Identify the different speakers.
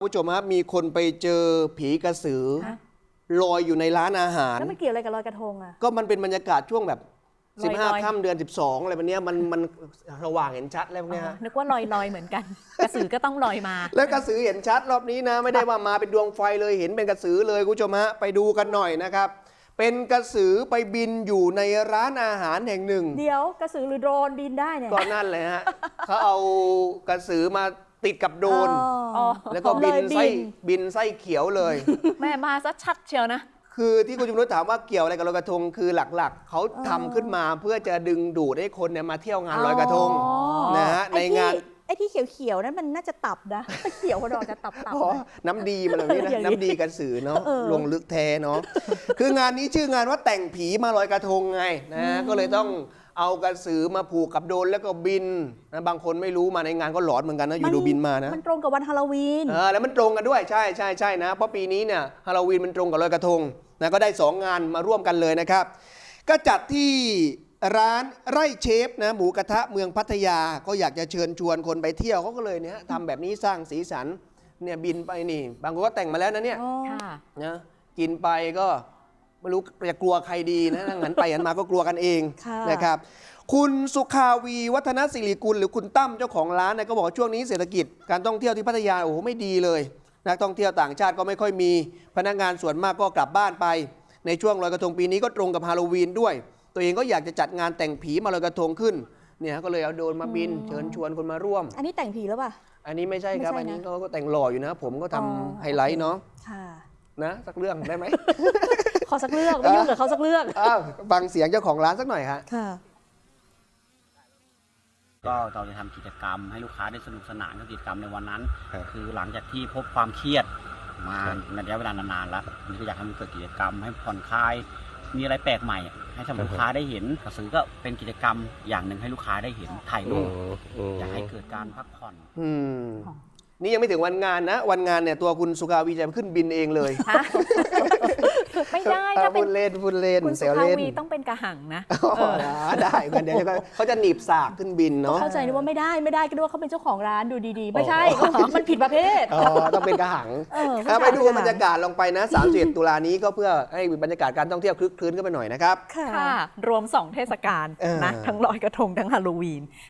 Speaker 1: ผู้ชมครับมีคนไปเจอผีกระสือลอยอยู่ในร้านอาหาร
Speaker 2: แล้วมันเกี่ยวอะไรกับลอยกระทงอ่ะ
Speaker 1: ก็มันเป็นบรรยากาศช่วงแบบ
Speaker 2: ลอย
Speaker 1: 15 ค่ำเดือน 12อะไรแบบนี้มันสว่างเห็นชัดอะไรพวกนี้ฮะ
Speaker 2: นึกว่าลอยเหมือนกัน กระสือก็ต้องลอยมา
Speaker 1: แล้วกระสือเห็นชัดรอบนี้นะไม่ได้ว่ามาเป็นดวงไฟเลยเห็นเป็นกระสือเลยคุณผู้ชมฮะไปดูกันหน่อยนะครับเป็นกระสือไปบินอยู่ในร้านอาหารแห่งหนึ่ง
Speaker 2: เดี๋ยวกระสือหรือโดรนบินได้เนี่ย
Speaker 1: ก็นั่นเลยฮะเขาเอากระสือมาติดกับโดรน
Speaker 2: อ๋อ
Speaker 1: แล้วก็บินไส้เขียวเลย
Speaker 2: แม่มาซะชัดเชียวนะ
Speaker 1: คือที่คุณจุมนุชถามว่าเกี่ยวอะไรกับลอยกระทงคือหลักๆเขาทำขึ้นมาเพื่อจะดึงดูดให้คนเนี่ยมาเที่ยวงานลอยกระทงนะฮะในงาน
Speaker 2: ไอ้ที่เขียวๆนั้นมันน่าจะตับนะเขียวกระดอกจะตับ
Speaker 1: อ๋อน้ำดีมาแบบนี้นะ
Speaker 2: อย่างนี้
Speaker 1: น้ำดีกระสือเนาะลงลึกแท้เนาะคืองานนี้ชื่องานว่าแต่งผีมาลอยกระทงไงนะก็เลยต้องเอากระสือมาผูกกับโดรนแล้วก็บินนะบางคนไม่รู้มาในงานก็หลอนเหมือนกันนะอยู่ดูบินมานะ
Speaker 2: มันตรงกับวันฮาโลวีน
Speaker 1: แล้วมันตรงกันด้วยใช่นะเพราะปีนี้เนี่ยฮาโลวีนมันตรงกับลอยกระทงนะก็ได้2งานมาร่วมกันเลยนะครับก็จัดที่ร้านไร่เชฟนะหมูกระทะเมืองพัทยาก็อยากจะเชิญชวนคนไปเที่ยวเขาก็เลยเนี่ยทำแบบนี้สร้างสีสันเนี่ยบินไปนี่บางคนก็แต่งมาแล้วนะเนี่ยนะกินไปก็ไม่รู้จะกลัวใครดีนะหันไปหันมาก็กลัวกันเองนะครับคุณสุขาวีวัฒนศิริกุลหรือคุณตั้มเจ้าของร้านเนี่ยก็บอกว่าช่วงนี้เศรษฐกิจการท่องเที่ยวที่พัทยาโอ้โหไม่ดีเลยนักท่องเที่ยวต่างชาติก็ไม่ค่อยมีพนักงานส่วนมากก็กลับบ้านไปในช่วงลอยกระทงปีนี้ก็ตรงกับฮาโลวีนด้วยตัวเองก็อยากจะจัดงานแต่งผีมาลอยกระทงขึ้นเนี่ยก็เลยเอาโดรนมาบินเชิญชวนคนมาร่วม
Speaker 2: อันนี้แต่งผีหรือเปล่า
Speaker 1: อันนี้ไม่ใช่ครับอันนี้ก็แต่งหล่ออยู่นะผมก็ทำไฮไลท์เนาะนะสักเรื่องได้ไหม
Speaker 2: ขอสักเรื่องไม่ยุ่งกับเขาสักเรื่อง
Speaker 1: ฟังเสียงเจ้าของร้านสักหน่อยฮะ
Speaker 3: ก็เราจะทำกิจกรรมให้ลูกค้าได้สนุกสนานกับกิจกรรมในวันนั้นคือหลังจากที่พบความเครียดมาในระยะเวลานานๆแล้วมันก็อยากให้มันเกิดกิจกรรมให้ผ่อนคลายมีอะไรแปลกใหม่ให้ลูกค้าได้เห็นกระสือก็เป็นกิจกรรมอย่างหนึ่งให้ลูกค้าได้เห็นถ่ายรูปอยากให้เกิดการพักผ่อน
Speaker 1: นี่ยังไม่ถึงวันงานนะวันงานเนี่ยตัวคุณสุขาวีจะขึ้นบินเองเลย
Speaker 2: ไม่ได้ถ้าเป็น
Speaker 1: พูดเล่น
Speaker 2: คุณสุขาวีต้องเป็นกระหังนะ
Speaker 1: ได้กันเดี๋ยวเขาจะหนีบสากขึ้นบินเนาะ
Speaker 2: เข้าใจว่าไม่ได้ก็ด้วยเขาเป็นเจ้าของร้านดูดีๆไม่ใช่มันผิดประเภท
Speaker 1: ต้องเป็นกระหังไปดูบรรยากาศลงไปนะ31 ตุลานี้ก็เพื่อให้บรรยากาศการท่องเที่ยวคลึกคลื้นขึ้นไปหน่อยนะครับ
Speaker 2: ค่ะรวม2 เทศกาลนะทั้งลอยกระทงทั้งฮาโลวีน